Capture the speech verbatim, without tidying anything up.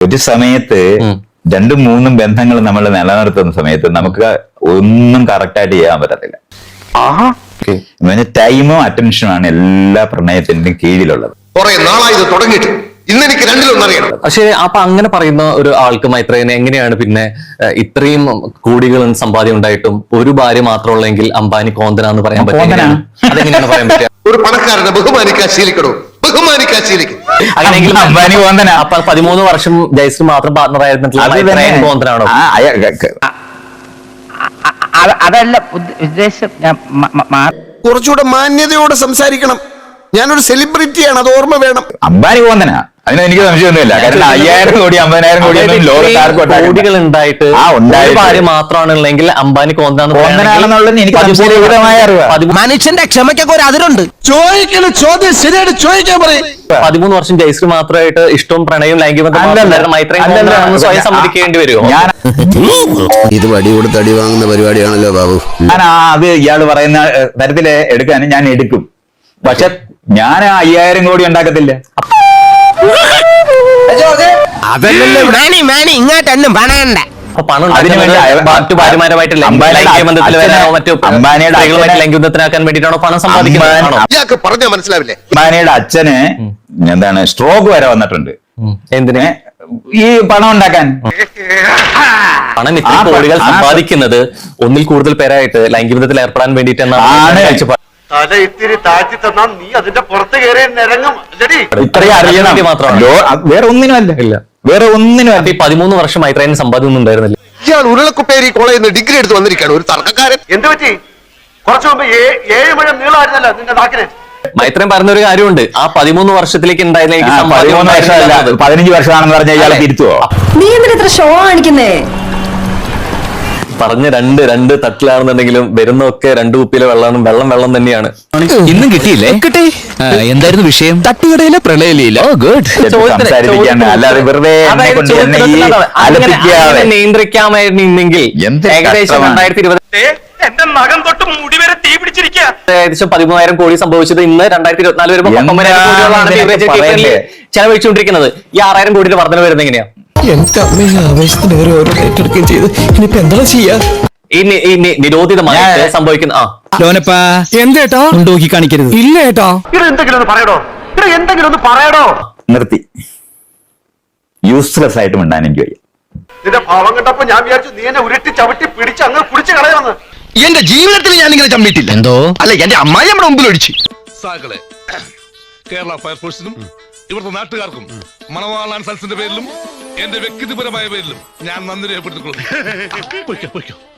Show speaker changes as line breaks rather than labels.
ഒരു സമയത്ത് രണ്ടും മൂന്നും ബന്ധങ്ങൾ നമ്മൾ നിലനിർത്തുന്ന സമയത്ത് നമുക്ക് ഒന്നും കറക്റ്റായിട്ട് ചെയ്യാൻ പറ്റത്തില്ല. ടൈമും അറ്റൻഷനുമാണ് എല്ലാ പ്രണയത്തിന്റെയും കീഴിലുള്ളത്.
പക്ഷെ അപ്പൊ അങ്ങനെ പറയുന്ന ഒരു ആൾക്ക് മൈത്രേയനെ എങ്ങനെയാണ് പിന്നെ ഇത്രയും കോടികൾ സമ്പാദ്യം ഉണ്ടായിട്ടും ഒരു ഭാര്യ മാത്രമുള്ളെങ്കിൽ അംബാനി കോന്തന എന്ന് പറയാൻ പറ്റില്ല? അതെങ്ങനെയാണ് പറയാൻ പറ്റുക?
ഒരു പണക്കാരനെ ബഹുമാനിക്കാൻ ശീലിക്കണോ? ബഹുമാനിക്കാൻ ശീലിക്കും.
അങ്ങനെയെങ്കിൽ അംബാനി കോന്തന അപ്പൊ പതിമൂന്ന് വർഷം ജയശ്രീ മാത്രം പാർട്ണർ ആയിരുന്നിട്ടുള്ള കോന്തനാണോ?
അതല്ല ഉദ്ദേശം.
കുറച്ചുകൂടെ മാന്യതയോടെ സംസാരിക്കണം. ഞാനൊരു സെലിബ്രിറ്റിയാണ്, അത് ഓർമ്മ വേണം.
അംബാനി കോന്തന അതിന് എനിക്ക് സംശയമൊന്നുമില്ല. കാരണം അയ്യായിരം കോടി അമ്പതിനായിരം കോടി
കോടികൾ ഉണ്ടായിട്ട് ഭാര്യ മാത്രമാണുള്ളെങ്കിൽ അംബാനി
കോന്തനാണെന്നുള്ളത് എനിക്ക് അറിയാം.
മനുഷ്യന്റെ ക്ഷമയ്ക്കൊക്കെ ഒരു അതിരുണ്ട്.
ചോദിക്കുന്ന ചോദ്യം ശരിയായിട്ട് ചോദിക്കാൻ പറയും.
പതിമൂന്ന് വർഷം ജയശ്രീ മാത്രമായിട്ട് ഇഷ്ടവും പ്രണയവും ലൈംഗികബന്ധം മൈത്രേയൻ സ്വയം സമ്മതിക്കേണ്ടി വരുമോ?
ഇത് വടി കൊടുത്ത് അടി വാങ്ങുന്ന പരിപാടിയാണല്ലോ ബാബു.
ഞാൻ അത് ഇയാള് പറയുന്ന തരത്തില് എടുക്കാനും ഞാൻ എടുക്കും. പക്ഷെ ഞാൻ അയ്യായിരം കോടി ഉണ്ടാക്കത്തില്ല.
ഇങ്ങോട്ടൊന്നും പണയണ്ട.
ലൈംഗികബന്ധത്തിനാക്കാൻ വേണ്ടിയിട്ടാണോ പണം സമ്പാദിക്കുന്നത്?
പറഞ്ഞാൽ മനസ്സിലാവില്ലേ?
അംബാനിയുടെ അച്ഛന് എന്താണ് സ്ട്രോക്ക് വരെ വന്നിട്ടുണ്ട്.
എന്തിന്?
ഈ പണം ഉണ്ടാക്കാൻ.
പണം ഇത്ര കോടികൾ സമ്പാദിക്കുന്നത് ഒന്നിൽ കൂടുതൽ പേരായിട്ട് ലൈംഗികബന്ധത്തിൽ ഏർപ്പെടാൻ വേണ്ടിയിട്ടാണ്.
തല ഇത്തിരി താഴ്ത്തി തന്നാൽ നീ അതിന്റെ പുറത്ത് കയറി നിരങ്ങും.
ഇത്രയും അറിയണം മാത്രമാണ്, വേറെ ഒന്നിനുമല്ല. ഇല്ല, വേറെ ഒന്നിനും.
ഈ പതിമൂന്ന് വർഷം മൈത്രേയൻ സമ്പാദ്യം ഉണ്ടായിരുന്നില്ല.
ഇയാൾ ഉരുളക്കുപ്പേരി കോളേജിൽ നിന്ന് ഡിഗ്രി എടുത്ത് വന്നിരിക്കുകയാണ്, ഒരു തർക്കക്കാരൻ.
എന്ത് പറ്റി? കുറച്ചു മുമ്പ് ഏഴ് മഴ നീളമായിരുന്നല്ലോ നിന്റെ നാക്കിന്.
മൈത്രേയൻ പറഞ്ഞൊരു കാര്യമുണ്ട്, ആ പതിമൂന്ന് വർഷത്തിലേക്ക് ഉണ്ടായിരുന്ന
പതിനഞ്ച് വർഷമാണെന്ന് പറഞ്ഞാൽ ഇയാളെ തിരുത്തുവോ?
നീ എന്തിനാ ഇത്ര ഷോ കാണിക്കുന്നേ?
പറഞ്ഞ രണ്ട് രണ്ട് തട്ടിലാണെന്നുണ്ടെങ്കിലും വരുന്നൊക്കെ രണ്ടു കുപ്പിയിലെ വെള്ളം വെള്ളം വെള്ളം തന്നെയാണ്.
ഇന്നും കിട്ടിയില്ലേ? കിട്ടി. എന്തായിരുന്നു വിഷയം? തട്ടുകടയിലെ പ്രളയലീല. ഓ ഗുഡ്.
നിയന്ത്രിക്കാമായിരുന്നെങ്കിൽ ഏകദേശം രണ്ടായിരത്തി ഇരുപത്
എന്റെ നഖം തൊട്ട് മുടി വരെ തീ പിടിച്ചിരിക്കുക.
ഏകദേശം പതിമൂന്നായിരം കോടി സംഭവിച്ചത് ഇന്ന് രണ്ടായിരത്തി ഇരുപത്തിനാല് വരുമ്പോൾ ചെലവഴിച്ചുകൊണ്ടിരിക്കുന്നത്. ഈ ആറായിരം കോടിയുടെ വർധന വരുന്നത് എങ്ങനെയാ?
എന്റെ അമ്മയെ ആവേശത്തിന് ഓരോ ഏറ്റെടുക്കുകയും ചെയ്ത് ഇനിയിപ്പോ എന്താ ചെയ്യാ?
ഈ നിരോധിതമായി സംഭവിക്കുന്ന ആ
ലോനപ്പാ എന്തേട്ടാ ഉണ്ടോക്കി കാണിക്കരുത്. ഇല്ല ഏട്ടാ.
ഇത് എന്തെങ്കിലും ഒന്ന് പറയടോ, ഇത് എന്തെങ്കിലും ഒന്ന് പറയടോ.
നിർത്തി. യൂസ്ലെസ് ആയിട്ട് മിണ്ടാൻ എനിക്ക് വയ്യ.
നിന്റെ ഭാവം കണ്ടപ്പോ ഞാൻ വിചാരിച്ചു നീ എന്നെ ഉരുട്ടി ചവിട്ടി പിടിച്ച് അങ്ങ് പിടിച്ച് കളയാന്ന്.
എന്റെ ജീവിതത്തിൽ ഞാൻ ഇങ്ങനെ ചമ്മിട്ടില്ല. എന്തോ അല്ല, എന്റെ അമ്മായി നമ്മുടെ മുമ്പിൽ ഒഴിച്ചു.
കേരള ഫയർഫോഴ്സിനും ഇവിടുത്തെ നാട്ടുകാർക്കും മണവാളാൻ സൽസിന്റെ പേരിലും എന്റെ വ്യക്തിപരമായ പേരിലും ഞാൻ നന്ദി രേഖപ്പെടുത്തിക്കൊള്ളുന്നു.